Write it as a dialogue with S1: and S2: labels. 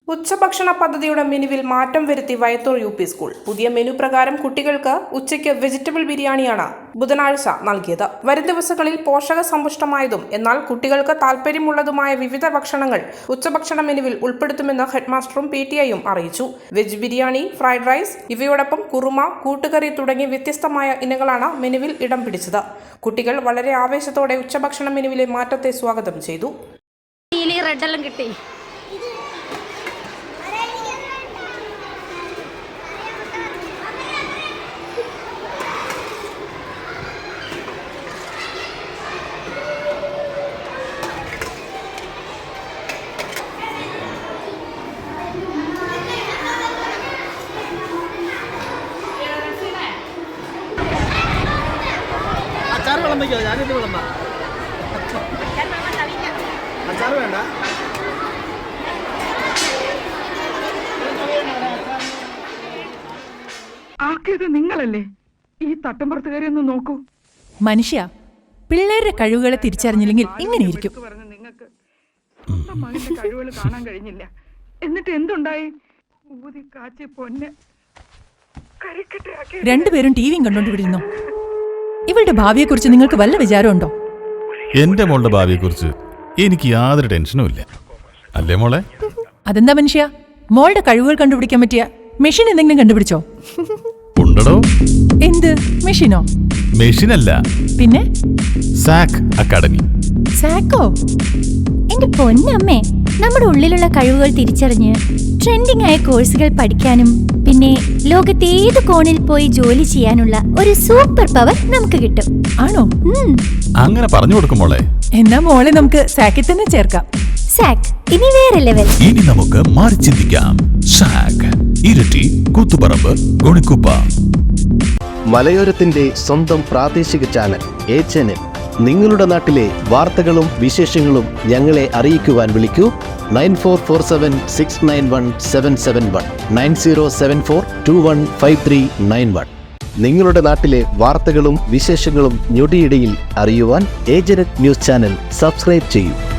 S1: ഉച്ചഭക്ഷണ പദ്ധതിയുടെ മെനുവിൽ മാറ്റം വരുത്തി വയത്തൂർ UP സ്കൂൾ. പുതിയ മെനു പ്രകാരം കുട്ടികൾക്ക് ഉച്ചയ്ക്ക് വെജിറ്റബിൾ ബിരിയാണിയാണ് ബുധനാഴ്ച നൽകിയത്. വരും ദിവസങ്ങളിൽ പോഷക സമ്പുഷ്ടമായതും എന്നാൽ കുട്ടികൾക്ക് താൽപര്യമുള്ളതുമായ വിവിധ ഭക്ഷണങ്ങൾ ഉച്ചഭക്ഷണ മെനുവിൽ ഉൾപ്പെടുത്തുമെന്ന് ഹെഡ്മാസ്റ്ററും PTIയും അറിയിച്ചു. വെജ് ബിരിയാണി, ഫ്രൈഡ് റൈസ് ഇവയോടൊപ്പം കുറുമ, കൂട്ടുകറി തുടങ്ങിയ വ്യത്യസ്തമായ ഇനങ്ങളാണ് മെനുവിൽ ഇടം പിടിച്ചത്. കുട്ടികൾ വളരെ ആവേശത്തോടെ ഉച്ചഭക്ഷണ മെനുവിലെ മാറ്റത്തെ സ്വാഗതം ചെയ്തു.
S2: അച്ചാറ് വിളമ്പിക്കോ, ഞാനിത് വിളമ്പാം. അച്ചാറ് വേണ്ട.
S3: ആക്കിയത് നിങ്ങളല്ലേ? ഈ തട്ടമ്പുറത്തുകാരി ഒന്ന് നോക്കൂ.
S4: മനുഷ്യ, പിള്ളേരുടെ കഴിവുകളെ തിരിച്ചറിഞ്ഞില്ലെങ്കിൽ ഇങ്ങനെയിരിക്കും.
S3: നിങ്ങൾക്ക് സ്വന്തം മകന്റെ കഴിവുകൾ കാണാൻ കഴിഞ്ഞില്ല. എന്നിട്ട് എന്തുണ്ടായി? ഊതി കാച്ചി പൊന്നെ
S4: രണ്ടുപേരും ടിവിയും കണ്ടോണ്ടിരുന്നു. ഇവളുടെ ഭാവിയെക്കുറിച്ച് നിങ്ങൾക്ക് വല്ല വിചാരമുണ്ടോ?
S5: എന്റെ മോളുടെ ഭാവിയെക്കുറിച്ച് എനിക്ക് യാതൊരു ടെൻഷനും ഇല്ല. അല്ലേ മോളെ?
S4: അതെന്താ മനുഷ്യ, മോളുടെ കഴിവുകൾ കണ്ടുപിടിക്കാൻ പറ്റിയ മെഷീൻ എന്തെങ്കിലും കണ്ടുപിടിച്ചോ?
S5: ഉണ്ടോ?
S4: എന്ത് മെഷീനോ?
S5: മെഷീനല്ല,
S4: പിന്നെ
S5: സാക് അക്കാഡമി.
S4: സാക്കോ?
S6: എന്റെ പൊന്നമ്മേ, നമ്മുടെ ഉള്ളിലുള്ള കഴിവുകൾ തിരിച്ചറിഞ്ഞ് ട്രെൻഡിംഗ് ആയ കോഴ്സുകൾ പഠിക്കാനും പിന്നെ ലോകത്തെ ഏത് കോണിൽ പോയി ജോലി ചെയ്യാനുള്ള ഒരു സൂപ്പർ പവർ നമുക്ക് കിട്ടും.
S4: ആണോ?
S5: അങ്ങനെ പറഞ്ഞു കൊടുക്കും മോളെ.
S4: എന്നാ മോളെ നമുക്ക് സാക്കിൽ തന്നെ ചേർക്കാം.
S6: സാക് ഇനി വേറെ ലെവൽ.
S5: ഇനി നമുക്ക് മാറി ചിന്തിക്കാം. സാക്, ഇരട്ടി, കൂത്തുപറമ്പ്, ഗുണിക്കുപ്പ.
S7: മലയോരത്തിന്റെ സ്വന്തം പ്രാദേശിക ചാനൽ A-Channel. നിങ്ങളുടെ നാട്ടിലെ വാർത്തകളും വിശേഷങ്ങളും ഞങ്ങളെ അറിയിക്കുവാൻ വിളിക്കൂ 9447691771 9074215391. നിങ്ങളുടെ നാട്ടിലെ വാർത്തകളും വിശേഷങ്ങളും ഞൊടിയിടയിൽ അറിയുവാൻ A-Channel ന്യൂസ് ചാനൽ സബ്സ്ക്രൈബ് ചെയ്യൂ.